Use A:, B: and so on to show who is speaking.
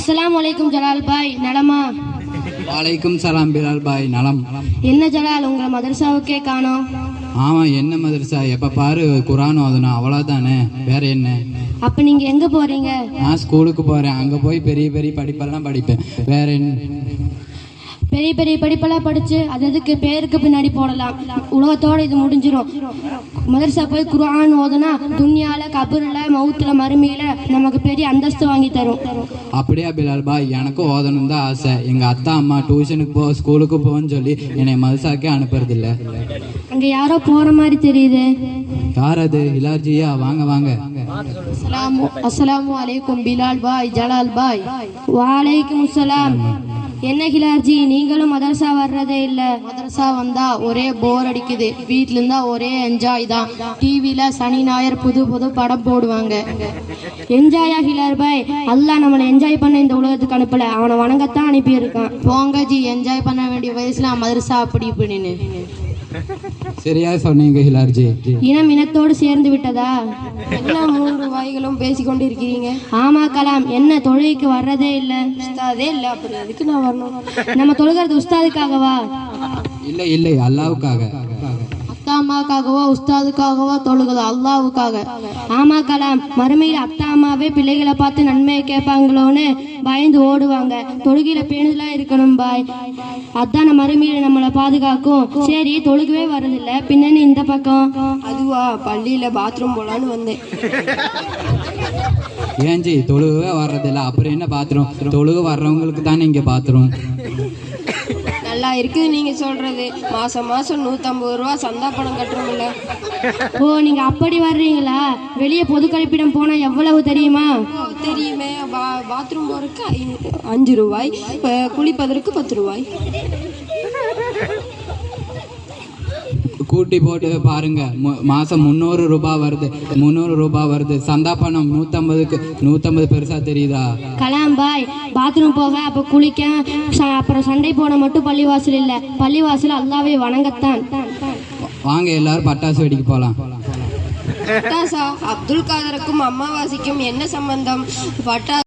A: அஸ்ஸலாமு அலைக்கும் ஜலால் பாய், நலமா?
B: வாலைக்கும் சலாம் பிலால் பாய், நலம்.
A: என்ன ஜலால், உங்களை மதரசாவுக்கே காணோம்?
B: ஆமாம், என்ன மதரசா? எப்போ பாரு குரான் ஓதுனா, அவ்வளோதானே, வேற என்ன?
A: அப்போ நீங்கள் எங்கே போகிறீங்க?
B: நான் ஸ்கூலுக்கு போகிறேன். அங்கே போய் பெரிய பெரிய படிப்பெல்லாம் படிப்பேன். வேற என்ன?
A: பெரிய பெரிய படிப்பெல்லாம் படித்து அது எதுக்கு பேருக்கு பின்னாடி போடலாம், உலகத்தோடு இது முடிஞ்சிடும். மதரசா போய் குர்ஆன் ஓதுனா துன்யால, கபூரில், மவுத்தில், மறுமையில் நமக்கு பெரிய அந்தஸ்து வாங்கி தரும்.
B: அப்படியா பிலால் பாய்? எனக்கும் ஓதணும் தான் ஆசை. எங்கள் அத்தா அம்மா டியூஷனுக்கு போ, ஸ்கூலுக்கு போன்னு சொல்லி என்னை மதரசாக்கே அனுப்புறதில்ல.
A: அங்கே யாரோ போகிற மாதிரி தெரியுது.
B: யார் அது? இலார்ஜியா? வாங்க வாங்க.
A: அஸ்ஸலாமு அலைக்கும் பிலால் பாய், ஜலால் பாய். வாலைக்கும் அஸ்ஸலாம். என்ன ஹிலார்ஜி, நீங்களும் மதரசா வர்றதே இல்லை?
C: மதரசா வந்தா ஒரே போர் அடிக்குது. வீட்டில் இருந்தா ஒரே என்ஜாய் தான். டிவியில சனி ஞாயிறு புது புது படம் போடுவாங்க.
A: என்ஜாயா ஹிலார் பாய்? அல்லாஹ் நம்மளை என்ஜாய் பண்ண இந்த உலகத்துக்கு அனுப்பல, அவனை வணங்கத்தான் அனுப்பியிருக்கான்.
C: போங்க ஜி, என்ஜாய் பண்ண வேண்டிய வயசுல மதரசா அப்படி இப்படின்னு.
B: சரியா சொன்னீங்க ஹிலார்ஜி.
A: இனம் இனத்தோடு சேர்ந்து விட்டதா?
C: என்ன 3 வாய்களும் பேசிக்கொண்டு இருக்கிறீங்க?
A: ஆமா கலாம், என்ன தொழுகைக்கு வர்றதே இல்லை?
C: உஸ்தாதே இல்லை, அப்புறம் எதுக்கு நான் வரணும்?
A: நம்ம தொழுகிறது உஸ்தாதுக்காகவா?
B: இல்லை இல்லை, அல்லாவுக்காக.
C: அத்தா அம்மாவுக்காகவோ உஸ்தாதுக்காகவோ தொழுகுது? அல்லாவுக்காக.
A: ஆமா கலாம், மறுமையில் அத்தா அம்மாவே பிள்ளைகளை பார்த்து நன்மையை கேட்பாங்களோன்னு பயந்து ஓடுவாங்க. தொழுகையில பேணுதலா இருக்கணும் பாய், அதான் மறுமையில நம்மளை பாதுகாக்கும். சரி, தொழுகவே வர்றதில்ல, பின்னணி இந்த பக்கம்.
C: அதுவா, பள்ளியில பாத்ரூம் போலான்னு வந்தேன்.
B: ஏஞ்சி, தொழுகவே வர்றதில்ல, அப்புறம் என்ன பாத்ரூம்? தொழுக வர்றவங்களுக்கு தானே இங்கே பாத்ரூம்.
C: நல்லா இருக்குது நீங்க சொல்றது. மாசம் மாசம் 150 ரூபா சந்தா பணம் கட்டுறோம்ல.
A: ஓ, நீங்க அப்படி வர்றீங்களா? வெளியே பொது கழிப்பிடம் போனா எவ்வளவு தெரியுமா?
C: தெரியுமே. பாத்ரூம் போறதுக்கு 5 ரூபாய், குளிப்பதற்கு 10 ரூபாய்.
B: கூட்டி போட்டு பாருங்க, மாசம் 300 ரூபாய் வருது. 300 ரூபாய் வருது. சந்தா பணம் 150க்கு 150 பெருசா தெரியுதா?
A: கலாம் பாய், பாத்ரூம் போக, அப்ப குளிக்க, அப்புறம் சண்டை போட மட்டும் பள்ளிவாசல் இல்லை, பள்ளிவாசல் அல்லாவை வணங்கத்தான்.
B: வாங்க எல்லாரும் பட்டாசு வெடிக்க போலாம்.
C: பட்டாசா? அப்துல் காதருக்கும் அம்மாவாசிக்கும் என்ன சம்பந்தம்? பட்டாசு